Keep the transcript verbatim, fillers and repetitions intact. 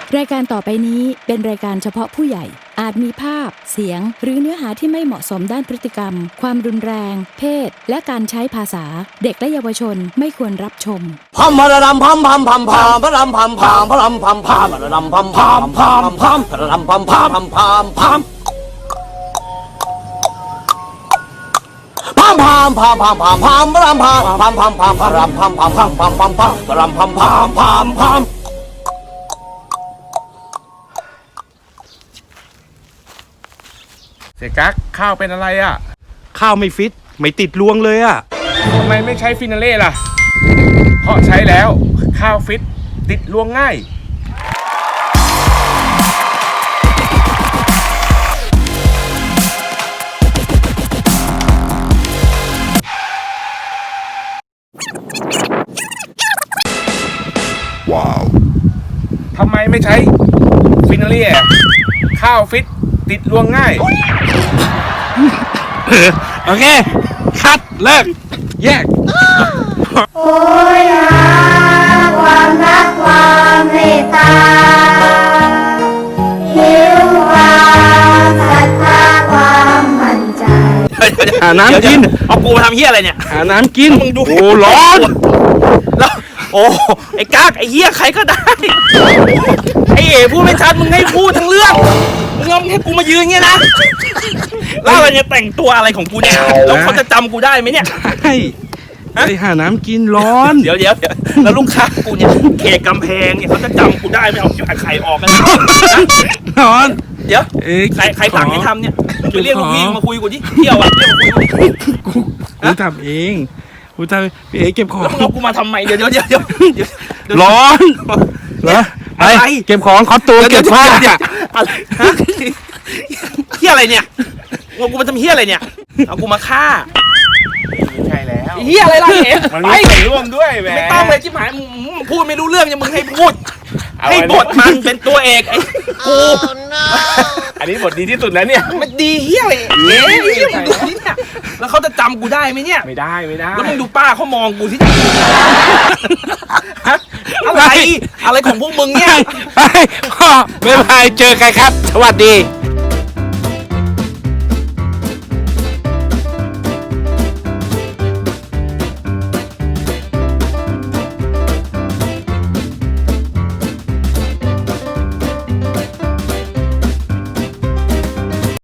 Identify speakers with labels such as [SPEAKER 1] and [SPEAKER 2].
[SPEAKER 1] รายการต่อไปนี้เป็นรายการเฉพาะผู้ใหญ่อาจมีภาพเสียงหรือเนื้อหาที่ไม่เหมาะสมด้านพฤติกรรมความรุนแรงเพศและการใช้ภาษาเด็กและเยาวชนไม่ควรรับชม
[SPEAKER 2] พัมพะระดำพัมพัมพัมพัมพะรำพัมพัมพะรำพัมพัมพะระดำพัมพัมพัมพัมพะระดำพัมพัมพัมพัมพัมพัมพัมพัมพัมพัมพัมพะรำพัมพัมพัมพัมพะรำพัมพัมพัมพัมพัมพัมพะรำพัมพัมพัมพัม
[SPEAKER 3] เสียกั๊กข้าวเป็นอะไรอ่ะ
[SPEAKER 4] ข้าวไม่ฟิตไม่ติดรวงเลยอ่ะ
[SPEAKER 3] ทำไมไม่ใช้ฟินาเล่ล่ะเพราะใช้แล้วข้าวฟิตติดรวงง่ายว้าวทำไมไม่ใช้ฟินาเล่ข้าวฟิตติดรวงง่าย
[SPEAKER 4] โอเคคัดเลิกแยก
[SPEAKER 5] โอ้ยหาความรักความเมตตาหิวความศรัทธาความมั่นใจ
[SPEAKER 4] หาน้ำกิน
[SPEAKER 2] เอากูมาทำเหี้ยอะไรเนี่ย
[SPEAKER 4] หาน้ำกินมึงดูโอ้ร้อน
[SPEAKER 2] แล้วโอ้ไอ้กั๊กไอ้เหี้ยใครก็ได้ไอ้เอ๋พูดไม่ชัดมึงให้พูดทั้งเรื่องมึงเอาให้กูมายืนเงี้ยนะแล้วอะไรเนี่ยแต่งตัวอะไรของกูเนี่ยแล้วเขาจะจำกูได้ไหมเนี่ย
[SPEAKER 4] ใช่ไปหาน้ำกินร้อน
[SPEAKER 2] เดี๋ยวเดี๋ยวแล้วลูกค้ากูเนี่ยเขตกำแพงเนี่ยเขาจะจำกูได้ไหมเอาไข่ออกกัน
[SPEAKER 4] ร้อน
[SPEAKER 2] เดี๋ยวใครใครสั่งให้ทำเนี่ยไปเรียกลูกพี่มาคุยกูดิเที่ยวอ่ะเรียกมาคุยกูดิ
[SPEAKER 4] กูกูทำเองกูทำพี่เอ๋เก็บของ
[SPEAKER 2] แล้วมึงเอากูมาทำไมเดี๋ยวเดี๋ยวเดี๋ยวเดี๋ยว
[SPEAKER 4] ร้อนเหรออะไรเก็บของคอสตูมเก็บผ้า
[SPEAKER 2] เนี่ยอะไรเฮียอะไรเนี่ยเอากูมาทำเฮียอะไรเนี่ยเอากูมาฆ่า
[SPEAKER 3] ใช่แล้ว
[SPEAKER 2] เฮียอะไรล่ะเอ๋
[SPEAKER 3] มันมีส่วนร่วมด้วยแหม
[SPEAKER 2] ไม่ต้องเลยชิบหายมึงพูดไม่รู้เรื่องยังมึงให้พูดให้บทมันเป็นตัวเอกไอ้กู
[SPEAKER 3] อันนี้บทดีที่สุดแล้วเนี่ย
[SPEAKER 2] มันดีเฮียอะไรเอ๋เฮียมึงดูนี่เนี่ยแล้วเขาจะจำกูได้ไหมเนี่ย
[SPEAKER 3] ไม่ได้ไม่ได้
[SPEAKER 2] แล้วมึงดูป้าเขามองกูที่อะไรอะไรของพวกมึงเนี่ย
[SPEAKER 4] ไม่ไปเจอกันครับสวัสดี